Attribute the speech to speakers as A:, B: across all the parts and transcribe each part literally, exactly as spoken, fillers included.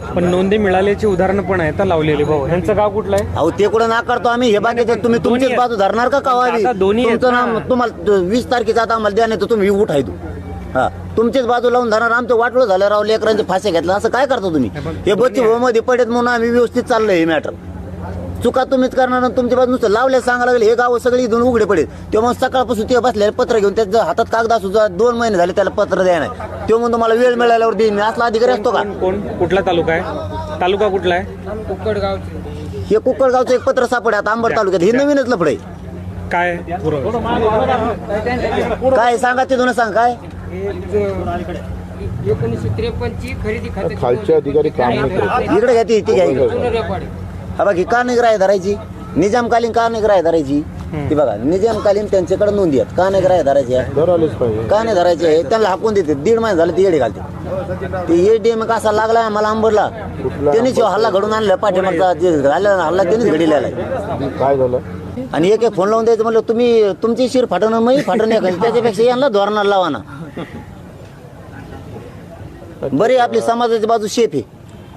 A: पण नोंदी मिळाल्याची उदाहरणं पण आहेत लावलेली. भाऊ ह्यांचं गाव कुठलं आहे?
B: अहो ते कुठं नाकारतो आम्ही, हे बाकीचे तुम्ही तुमचीच बाजू धरणार का कावावी?
A: आता दोन्ही आहेत
B: तुमचं
A: ना.
B: नाम तुम्हाला वीस तारखेचा आता आम्हाला द्या, नाही तर तुम्ही उठाय तू हा तुमचीच बाजू लावून धरणार. आमचं वाटलं झालं राव, लेकरांचे फासे घेतला असं काय करता तुम्ही? हे बच्चे भाऊ मध्ये पडत म्हणून आम्ही व्यवस्थित चाललंय हे मॅटर. चुका तुम्हीच करणार आणि तुमच्या बाजू नुसतं लावल्या सांगा लागले. हे गाव सगळी इथून उघडे पडेल. तेव्हा सकाळपासून ते बसले पत्र घेऊन त्याच्या हातात कागद असू दोन महिने झाले त्याला पत्र द्या नाही. तेव्हा म्हणून तुम्हाला वेळ मिळाल्यावर देईन मी. असला अधिकारी असतो का?
A: कोण कुठला तालुका आहे? तालुका कुठला आहे?
C: कुक्कडगाव.
B: हे कुक्कडगावचं एक पत्र सापडे आता अंबड तालुक्यात. हे नवीनच लफडे
A: काय
B: काय सांगा ते दोन सांग काय
C: एकोणीसशे त्रेपन्न ची खरेदी खात्याची
D: खालचे अधिकारी काम नाही करत.
B: इकडे घ्या ती घ्या इकडे.
C: जुनं रेकॉर्ड आहे.
B: हा बाकी का निग्राय धरायची? निजामकालीन का निग्राय धरायची? ती बघा निजामकालीन त्यांच्याकडे नोंदी आहेत. का निग्राय धरायची आहे?
D: धरायलाच पाहिजे.
B: का नाही धरायची आहे? त्यांना हाकून देते. दीड महिने झाले ती येडे घालते. ते येडे मग असा लागला आम्हाला अंबरला. त्यांनीच हल्ला घडून आणला. पाठीमागचा जे झाला हल्ला त्यांनीच घडीला आहे.
D: काय झालं?
B: आणि एक एक फोन लावून द्यायचं म्हणलं तुम्ही तुमची शिर फाटणं मी फाटणं नाही खाली. त्याच्यापेक्षा यांना धोरणाला लावा ना. बरी आपली समाजाची बाजू शेफ आहे.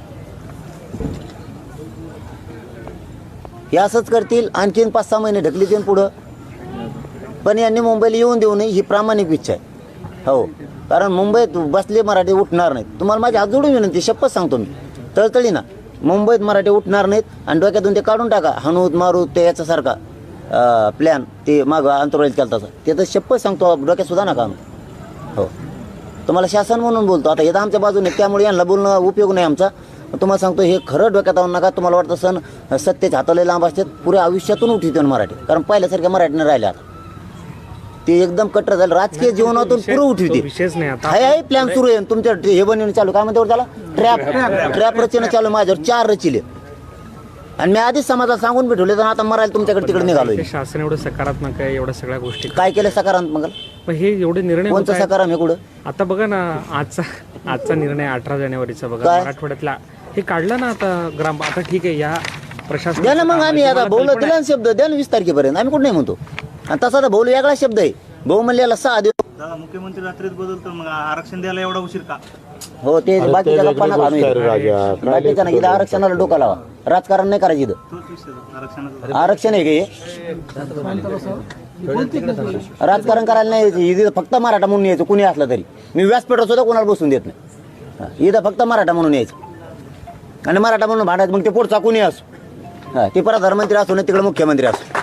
B: हे असंच करतील. आणखीन पाच सहा महिने ढकलीतील पुढं. पण यांनी मुंबईला येऊन देऊ नये ही प्रामाणिक इच्छा आहे. हो कारण मुंबईत बसले मराठी उठणार नाहीत. तुम्हाला माझी हात जोडून विनंती, शपथ सांगतो मी तळतळी ना, मुंबईत मराठी उठणार नाहीत. आणि डोक्यातून ते काढून टाका हनूत मारू ते याच्यासारखा प्लॅन ते मागं अंतराळीत केला तसा. ते तर शपथ सांगतो डोक्यात सुद्धा नका आणू. हो तुम्हाला शासन म्हणून बोलतो. आता हे तर आमच्या बाजूने, त्यामुळे यांना बोलणं उपयोग नाही आमचा. तुम्हाला सांगतो हे खरं डोक्यात आणू नका. तुम्हाला वाटतं सण सत्तेच हाताला लांब असतात. पुऱ्या आयुष्यातून उठवते मराठी. कारण पहिल्यासारख्या मराठीने राहिल्या आता. ते एकदम कट्टर झालं. राजकीय जीवनातून पुरं उठवते.
A: विशेष नाही आता.
B: हाय हाय प्लॅन सुरू आहे तुमच्या. हे बनवून चालू काय म्हणते त्याला ट्रॅप ट्रॅप रचना चालू माझ्यावर. चार रचिले आणि मी आधीच समाजाला सांगून भेटवले. तर आता मरायला तुमच्याकडे तिकडे निघालो.
A: शासन एवढं सकारात्मक आहे, एवढ्या सगळ्या गोष्टी
B: काय केलं सकारात्मक?
A: पण हे एवढे निर्णय होत
B: कोणतं
A: आहेत.
B: सकाराम आहे कुठं?
A: आता बघा ना आजचा आजचा निर्णय अठरा जानेवारीचा बघा
B: काय?
A: मराठवाड्यातला हे काढलं ना आता ग्राम. आता ठीक आहे या प्रशासन
B: द्या ना मग आम्ही आता भाऊला दिला ना शब्द. द्या ना वीस तारखेपर्यंत. आम्ही कुठं नाही म्हणतो. आणि तसा तर भाऊ वेगळा शब्द आहे. भाऊ म्हणले याला सहा दिवस.
E: दादा मुख्यमंत्री रात्रीच बदलतो मग आरक्षण द्यायला एवढा उशीर का?
B: हो ते बाकीच्या गप्पा नका आणू इथं.
D: राजा
B: बाकीच्या ना इथं आरक्षणाला डोका लावा. राजकारण नाही करायचं इथं.
E: तोच विषय आरक्षणाचा.
B: आरक्षण आहे का हे? राजकारण करायला नाही यायचं. इथं फक्त मराठा म्हणून यायचं कुणी असलं तरी. मी व्यासपीठावर सुद्धा कोणाला बसून देत नाही. हा, इथं फक्त मराठा म्हणून यायचं आणि मराठा म्हणून भांडायचं. मग ते पुढचा कुणी असो. हा ते प्रधानमंत्री असो नाही तिकडे मुख्यमंत्री असो.